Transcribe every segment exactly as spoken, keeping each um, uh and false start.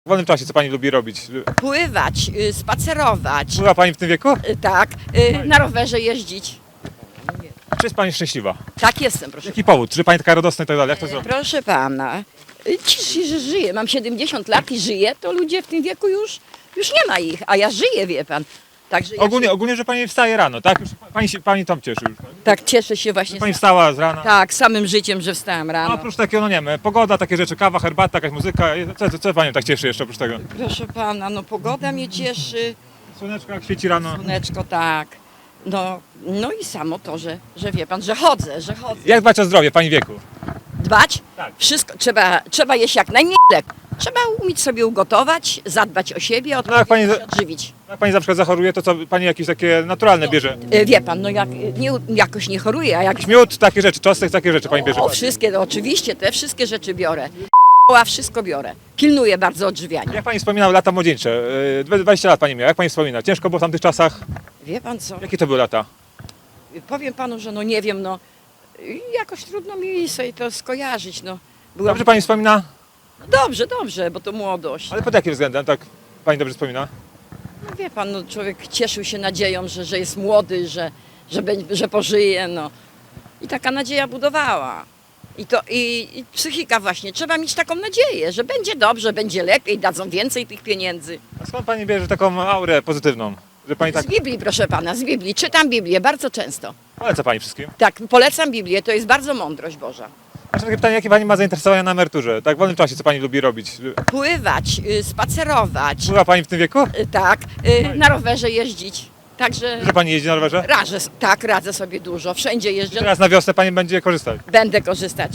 W wolnym czasie co pani lubi robić? Pływać, y, spacerować, Była pani w tym wieku? y, tak, y, na rowerze jeździć. Czy jest pani szczęśliwa? Tak jestem, proszę. Jaki powód? Czy pani taka radosna i tak dalej? Jak to zrobić? Proszę pana, y, ci, że żyję, mam siedemdziesiąt lat i żyję, to ludzie w tym wieku już, już nie ma ich, a ja żyję, wie pan. Także ja Ogólnie, się, ogólnie, że pani wstaje rano, tak? Już pani, się, pani tam cieszy już. tak cieszę się właśnie Pani z, wstała z rana. tak, samym życiem, że wstałam A rano. oprócz takiego, no nie wiem, pogoda, takie rzeczy, kawa, herbata, jakaś muzyka. Co, co, co panią tak cieszy jeszcze oprócz tego? Proszę pana, no pogoda mnie cieszy, Słoneczko jak świeci rano. słoneczko tak, no, no i samo to, że, że wie pan, że chodzę, że chodzę. Jak dbać o zdrowie w pani wieku? Dbać? Tak. Wszystko, trzeba, trzeba jeść jak najmniej leku. Trzeba umieć sobie ugotować, zadbać o siebie, No jak pani, odpowiednio się odżywić. jak pani na przykład zachoruje, to co pani jakieś takie naturalne bierze? E, Wie pan, no jak nie, jakoś nie choruję, a jak Miód, takie rzeczy, czosnek, takie rzeczy pani bierze. o, wszystkie, no, oczywiście te wszystkie rzeczy biorę. A wszystko biorę. Pilnuję bardzo odżywiania. Jak pani wspominała lata młodzieńcze? Yy, dwadzieścia lat pani miała, jak pani wspomina? Ciężko było w tamtych czasach? Wie pan co? Jakie to były lata? Powiem panu, że no nie wiem, no jakoś trudno mi sobie to skojarzyć, no. Byłam... Dobrze pani wspomina? Dobrze, dobrze, bo to młodość. Ale pod jakim względem, tak pani dobrze wspomina? No wie pan, no człowiek cieszył się nadzieją, że, że jest młody, że, że, będzie, że pożyje, no. I taka nadzieja budowała. I to i, i psychika właśnie, trzeba mieć taką nadzieję, że będzie dobrze, będzie lepiej, dadzą więcej tych pieniędzy. A skąd pani bierze taką aurę pozytywną? Że pani tak Z Biblii, proszę pana, z Biblii. Czytam Biblię bardzo często. poleca pani wszystkim? Tak, polecam Biblię, to jest bardzo mądrość Boża. Jeszcze takie pytanie, jakie pani ma zainteresowania na emeryturze? Tak w wolnym czasie co pani lubi robić? Pływać, y, spacerować, Była pani w tym wieku? y, tak, y, na rowerze jeździć. Także Że pani jeździ na rowerze? radzę, tak, radzę sobie dużo, wszędzie jeżdżę, Teraz na wiosnę pani będzie korzystać. będę korzystać.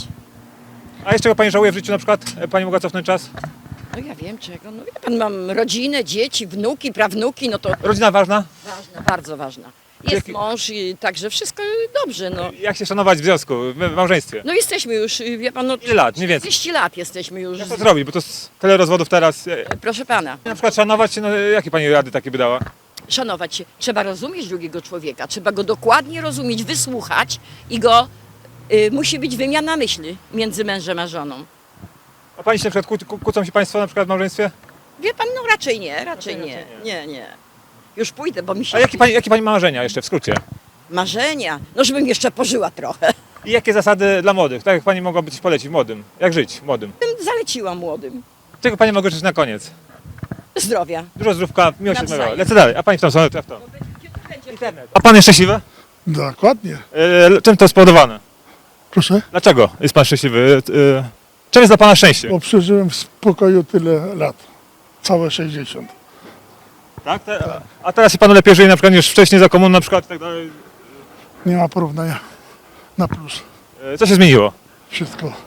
A jeszcze czego pani żałuje w życiu na przykład? E, Pani mogła cofnąć czas? No ja wiem czego, no wie pan, mam rodzinę, dzieci, wnuki, prawnuki, no to Rodzina ważna? ważna, bardzo ważna. Jest Jaki- mąż i także wszystko dobrze, no. Jak się szanować w związku, w w małżeństwie? No jesteśmy już, y, wie pan, no Ile lat? Mniej więcej. trzydzieści lat jesteśmy już. Jak to zrobić? Bo to z tyle rozwodów teraz. E, Proszę pana, Na przykład szanować się, no jakie pani rady takie by dała? szanować się. Trzeba rozumieć drugiego człowieka, trzeba go dokładnie rozumieć, wysłuchać i go, y, musi być wymiana myśli między mężem a żoną. A pani się na przykład kłó- kłócą się państwo na przykład w małżeństwie? Wie pan, no raczej nie, raczej Raczej nie, nie. nie, nie. Już pójdę, bo mi się... A jakie pani, jakie pani ma marzenia jeszcze w skrócie? Marzenia, no żebym jeszcze pożyła trochę. I jakie zasady dla młodych? Tak jak pani mogłaby coś polecić młodym? Jak żyć młodym? Bym zaleciła młodym. Czego pani mogę życzyć na koniec? Zdrowia. Dużo zdrówka, miłość Nawzajem. odmywa. Lecę dalej. A pani w tą stronę, to ja w tą. A pan jest szczęśliwy? Dokładnie. E, czym to spowodowane? Proszę, Dlaczego jest pan szczęśliwy? E, czym jest dla pana szczęście? bo przeżyłem w spokoju tyle lat. Całe sześćdziesiąt. Tak? Te, a teraz się panu lepiej żyje na przykład niż wcześniej za komun na przykład i tak dalej. Nie ma porównania. Na plus. E, co się zmieniło? Wszystko.